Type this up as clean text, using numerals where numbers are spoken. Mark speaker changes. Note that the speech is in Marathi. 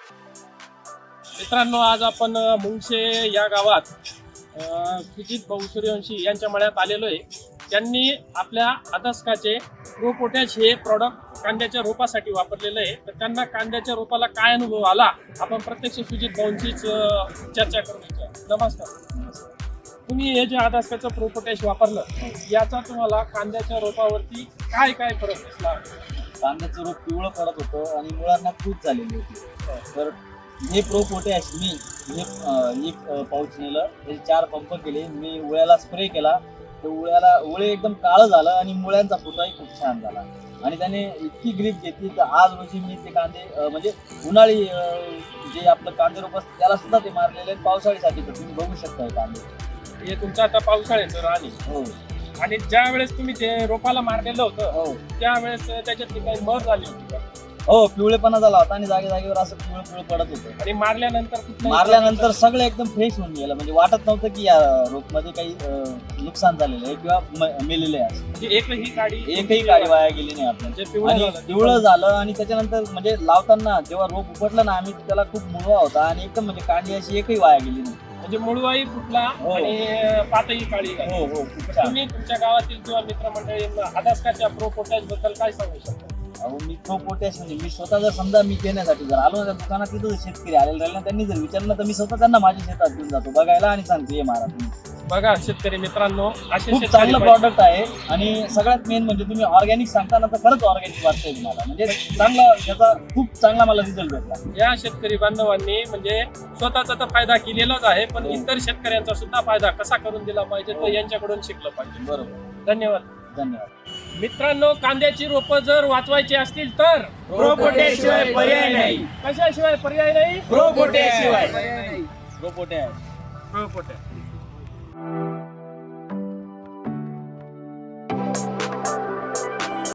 Speaker 1: मित्रांनो, आज आपण मुंगशे या गावात सुजित भाऊ सूर्यवंशी यांच्या मळ्यात आलेलो आहे. त्यांनी आपल्या अदस्काचे प्रो पोटॅश हे प्रॉडक्ट कांद्याच्या रोपासाठी वापरलेलं आहे. तर त्यांना कांद्याच्या रोपाला काय अनुभव आला, आपण प्रत्यक्ष सुजित भाऊंचीच चर्चा करू इच्छा. नमस्कार. तुम्ही हे जे अदस्काचं प्रो पोटॅश वापरलं, याचा तुम्हाला कांद्याच्या रोपावरती काय काय फरक दिसला?
Speaker 2: कांद्याचं रोप पिवळं पडत होतं आणि मुळांना खूप झालेली होती. तर हे प्रो पोटॅश मी एक पाऊच नेलं, त्याचे 4 पंप केले, मी उळ्याला स्प्रे केला. तर उळे एकदम काळं झालं आणि मुळ्यांचा फुटाही खूप छान झाला आणि त्याने इतकी ग्रीप घेतली. तर आज रोजी मी ते कांदे म्हणजे उन्हाळी जे आपलं कांदे रोप असतं त्याला सुद्धा ते मारलेले आहेत. पावसाळीसाठी तर तुम्ही बघू शकता कांदे.
Speaker 1: हे तुमचं आता पावसाळ्याचं रान आहे.
Speaker 2: हो.
Speaker 1: आणि ज्या वेळेस तुम्ही ते रोपाला मारलेलं होतं,
Speaker 2: हो,
Speaker 1: त्यावेळेस त्याच्यातली काही मर झाली होती का?
Speaker 2: हो, पिवळेपणा झाला होता आणि जागेवर असं पिवळं पडत होतं.
Speaker 1: आणि मारल्यानंतर
Speaker 2: मारल्यानंतर सगळं एकदम फ्रेश होऊन गेलं. म्हणजे वाटत नव्हतं की या रोपमध्ये काही नुकसान झालेलं आहे किंवा मेलेलं आहे.
Speaker 1: म्हणजे एकही
Speaker 2: काडी वाया गेली नाही आपल्या.
Speaker 1: म्हणजे
Speaker 2: पिवळं झालं आणि त्याच्यानंतर म्हणजे लावताना जेव्हा रोप उपटलं ना आम्ही, त्याला खूप मुळवा होता आणि एकदम म्हणजे कांडी अशी एकही वाया गेली नाही.
Speaker 1: म्हणजे मुळवाही फुटला
Speaker 2: हो.
Speaker 1: आणि पातही काळी झाली.
Speaker 2: हो हो, खूप छान.
Speaker 1: तुम्ही तुमच्या गावातील किंवा मित्रमंडळींना अदस्काच्या प्रो पोटॅश बद्दल काय सांगू शकता?
Speaker 2: अहो, मी प्रो पोटॅश म्हणजे मी स्वतः जर समजा मी घेण्यासाठी जर आलो ना त्या दुकानात, तिथं शेतकरी आलेले राहिले ना, त्यांनी जर विचारलं तर मी स्वतः त्यांना माझ्या शेतात घेऊन जातो बघायला आणि सांगतो हे मारा तुम्ही.
Speaker 1: बघा शेतकरी मित्रांनो, असे
Speaker 2: खूप चांगलं प्रॉडक्ट आहे. आणि सगळ्यात मेन म्हणजे तुम्ही ऑर्गॅनिक सांगताना तर खरंच ऑर्गॅनिक वाटतंय तुम्हाला. म्हणजे चांगला याचा खूप चांगला मला रिझल्ट भेटला.
Speaker 1: या शेतकरी बांधवांनी म्हणजे स्वतःचा तर फायदा केलेलाच आहे, पण इतर शेतकऱ्यांचा सुद्धा फायदा कसा करून दिला पाहिजे तो यांच्याकडून शिकलं पाहिजे.
Speaker 2: बरोबर.
Speaker 1: धन्यवाद.
Speaker 2: मित्रांनो,
Speaker 1: कांद्याची रोपं जर वाचवायची असतील तर
Speaker 3: प्रो पोटॅश शिवाय पर्याय नाही.
Speaker 1: कशाशिवाय पर्याय नाही?
Speaker 3: प्रो पोटॅश शिवाय.
Speaker 2: Pro potash.
Speaker 1: Pro potash.